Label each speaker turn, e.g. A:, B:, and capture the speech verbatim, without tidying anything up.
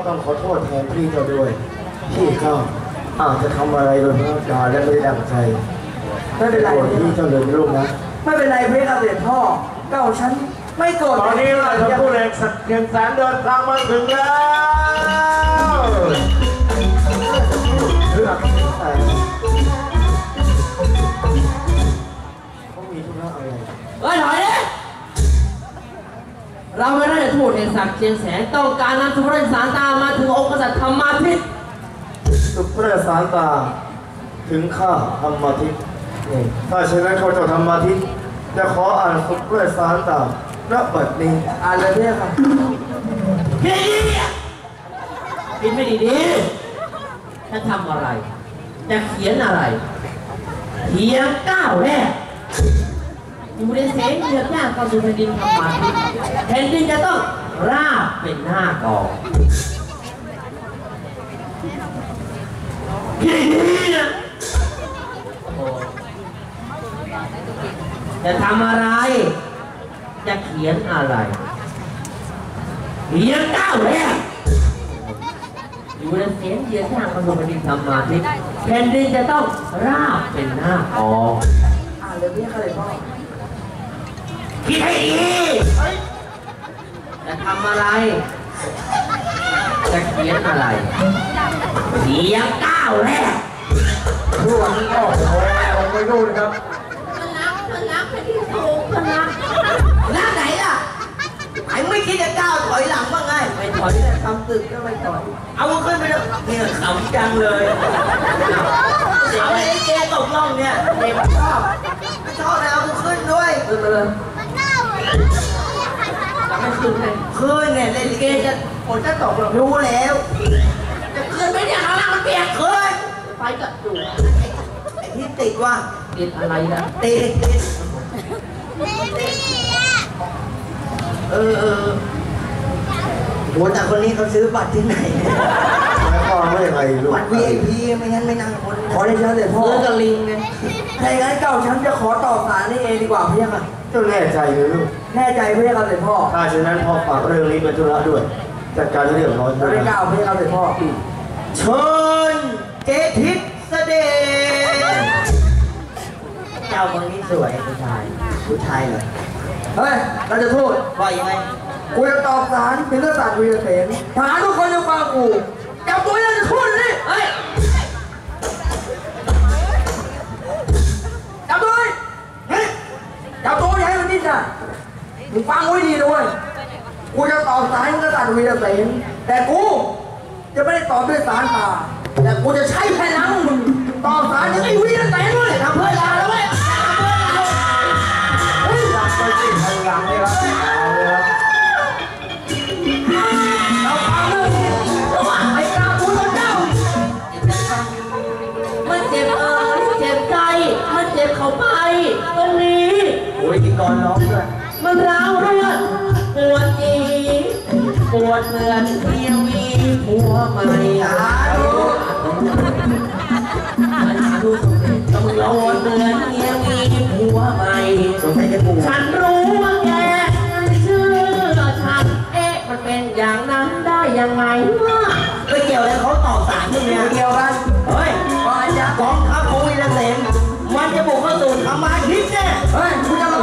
A: ต้องขอโทษแทนพี่เจ้าด้วยพี่ข้าอาจจะทำอะไรโดยพลาดการและไม่ได้ดังใจไม่เป็นไรพี่เจ้าเลยลูกนะ
B: ไม่เป็นไรเพื่อนเสด็จพ่อเก้าฉันไม่โกรธ
C: ตอนนี้เราจะพูดเองสักเพียงแสนเดินทางมาถึงแล้ว
A: เพื่อแต่เขามีธุระอะไร
D: เฮ้ยถอยดิเราไม่ได้ทูตแห่งศักดิ์เชียงแสนต้องการนำสุพรรณสารตามาถึงองค์กษัตริย์ธรรมาทิต
A: สุพรรณสารตาถึงข้าธรรมาทิตถ้าเช่นนั้นเขาจะธรรมาทิตจะขออ่านสุพรรณสารตาณบัดนี้
B: อ่านเลยเนี่ยค่ะ
D: พี่กินไม่ดีๆจะทำอะไรจะเขียนอะไรเพียงก้าวแรกอยู่ในแสงเดือดย่างเข้าสู่แผ่นดินธรรมาทิตแผ่นดินจะต้องราบเป็นหน้ากองจะทำอะไรจะเขียนอะไรเพียงก้าวแรกอยู่ในแสงเดือดย่างเข้าสู่แผ่นดินธรรมาทิตแผ่นดินจะต้องราบเป็นหน้ากอง
B: อ่านเลยเนี่ยค่ะเลยพ่อ
D: คิดให้ดีจะทำอะไรจะเขียนอะไรเสียงก้าวแรก
C: ช่วงนี้ก็โอ้ยผมไม่รู้นะครับ
D: มันรักมันรักไปที่สูงมันรักรักไหนล่ะไอ้ไม่คิดจะก้าวถอยหลังบ้างไงไม่ถอยแต่ทำตึกก็ไม่ถอยเอาขึ้นไปเลยเนี่ยขำจังเลยเอาไอ้เจ๊ตกล่องเนี่ยเด็กชอบชอบแล้วเอาขึ้นด้วยขึ้นไปเลยจะไม่ขึ้นเลยขึ้นเนี่ยเล่นเกมจะฝนจะตกหรอกรู้แล้วจะขึ้นไหมเนี่ยข้างล่างมันเปียกขึ้นไปกับจู่ไอ้ที่ติดว่าติดอะไรนะติดติดเออเออโหแต่คนนี้เขาซื้อบัตรที่ไหน
A: หมายความว่าอย่างไรลูก
B: บัตร วี ไอ พี ไม่งั้นไม่นั่งคน
A: ขอได้เชิญเลยพ่อ
D: ซื้อกับลิงไง
B: ถ้าอย่างนั้นเก้าฉันจะขอต่อสารนี่เองดีกว่าพี่ค่ะ
A: เจ้าแน่ใจเลยลูก
B: แน่ใจพี่ค่ะเลยพ่อ
A: ถ้าเช่นนั้นพ่อฝากเรื่องนี้เป็นธุระด้วยจัดการเรื่องร้อน
B: ด้วยเก้าพี่ค่ะเลยพ่อ
A: เชิญเจทิศเสด็จ
D: เจ้าคนนี้สวยผู้ชายผู้ชายเหรอ
B: เฮ้ยเราจะพูด
D: ว่ายังไง
B: กูจะตอบสารถึงกษัตริย์วีรเสนทหารทุกคนจะฟังกูจับตัวนี่จะพูดเลย
D: เฮ้ย
B: จับตัวเฮ้ยจับตัวอย่าให้มันดิ้นนะมึงฟังไว้ดีด้วยกูจะตอบสารถึงกษัตริย์วีรเสนแต่กูจะไม่ได้ตอบด้วยสารตาแต่กูจะใช้พลังมึงตอบสารถึงไอ้วีรเสนด้วยทำเพื่อลาแล้วเว้ย
A: เฮ้ยรักไปสิพลังนี่ครับเอาเลยครับ
B: เราฟังเรื่องนี้จะว่าไอ้กาบุญเจ้า
D: มันเจ็บเอ่ยเจ็บใจมันเจ็บเข้าไปตรงนี้
A: โอ้ยกินกรร้องด้วย
D: มันร้าวเลือดปวดจีปวดเหมือนเมียมีผัวใหม่
B: อาดู
D: ดูต้องรอเดือนเมียมีผัวใหม่ฉันรู้ว่าแกเชื่อฉันเอ๊ะมันเป็นอย่างนั้นได้ยังไงไม่เกี่ยวเลยเขาตอบสารที่เนี่ย
B: เกี่ยวกัน
D: เฮ้ยก่อนจะกองทัพของวีรเสนมันจะบุกเข้าสู่ธรรมาทิตเนี่ย
B: เฮ้ยคุณจะ